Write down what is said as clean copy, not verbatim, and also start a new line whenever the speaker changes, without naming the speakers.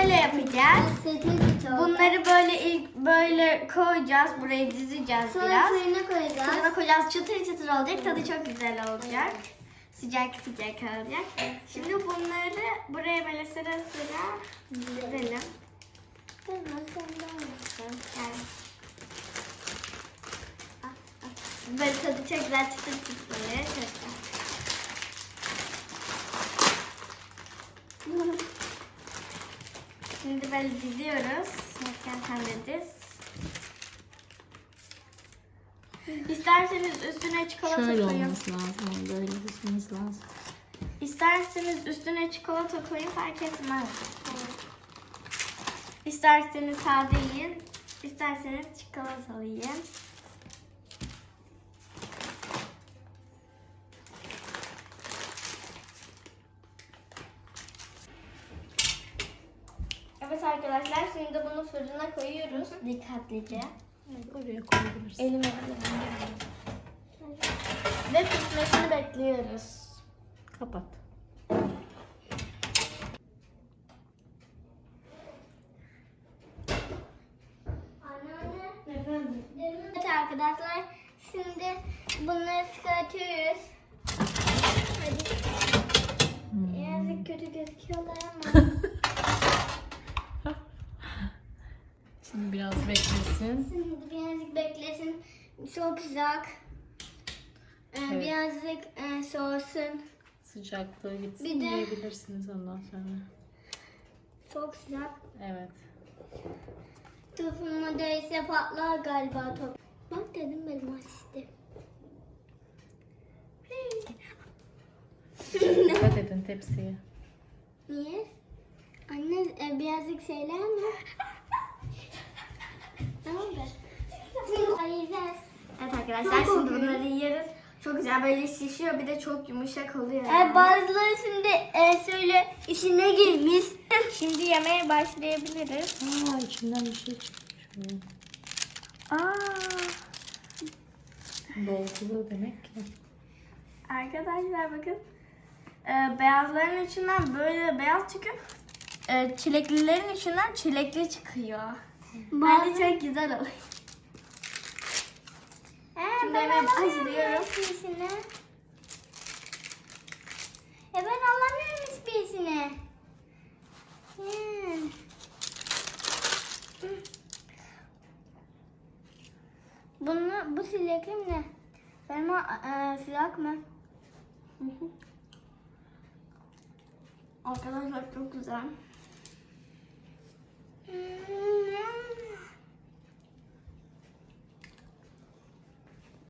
şöyle yapacağız. Bunları böyle ilk böyle koyacağız. Buraya dizeceğiz
Sonra
biraz.
fırına koyacağız.
Fırına koyacağız. Çıtır çıtır olacak. Tadı çok güzel olacak. Sıcak sıcak olacak. Şimdi bunları buraya böyle sıra sıra dizelim. Yani. Böyle tadı çok güzel çıtır çıtır oluyor. Çok güzel. Şimdi böyle diziyoruz. Sen de diz. İsterseniz üstüne çikolata
Şöyle
koyun.
olması lazım. Böyle dizmemiz lazım.
İsterseniz üstüne çikolata koyun, fark etmez. İsterseniz sade yiyin. İsterseniz çikolatalı yiyin. Evet arkadaşlar, şimdi bunu fırına koyuyoruz dikkatlice.
Evet, oraya koyabilirsin.
Elime ve pişmesini bekliyoruz.
Kapat.
Efendim?
Evet arkadaşlar, şimdi bunları çıkartıyoruz. Hadi. Birazcık kötü gözüküyorlar ama.
Şimdi biraz beklesin.
Şimdi birazcık beklesin. Çok sıcak.
Evet.
Birazcık soğusun.
Sıcaklığı gitsin
Bir de-
yiyebilirsiniz ondan sonra.
Çok sıcak.
Evet.
Topuma değse patlar galiba top. Bak dedim benim asistim.
Dikkat edin tepsiye.
Niye? Anne birazcık şeyler mi? Tamam mı? Ayıracağız.
Evet arkadaşlar, şimdi bunları yiyoruz. Çok güzel böyle şişiyor, bir de çok yumuşak oluyor.
Bazıları şimdi söyle işine girmiş.
Şimdi yemeye başlayabiliriz.
İçinden bir şey çıkmış.
Aa,
Dolgulu demek ki.
arkadaşlar bakın. Beyazların içinden böyle beyaz çıkıyor. Çileklilerin içinden çilekli çıkıyor. Bence çok güzel oluyor. Şimdi hemen başlıyorum.
Hiçbirisini. Ben alamıyorum hiçbirisini. Bu silekli mi ne? Benim sıcak mı?
Arkadaşlar çok güzel.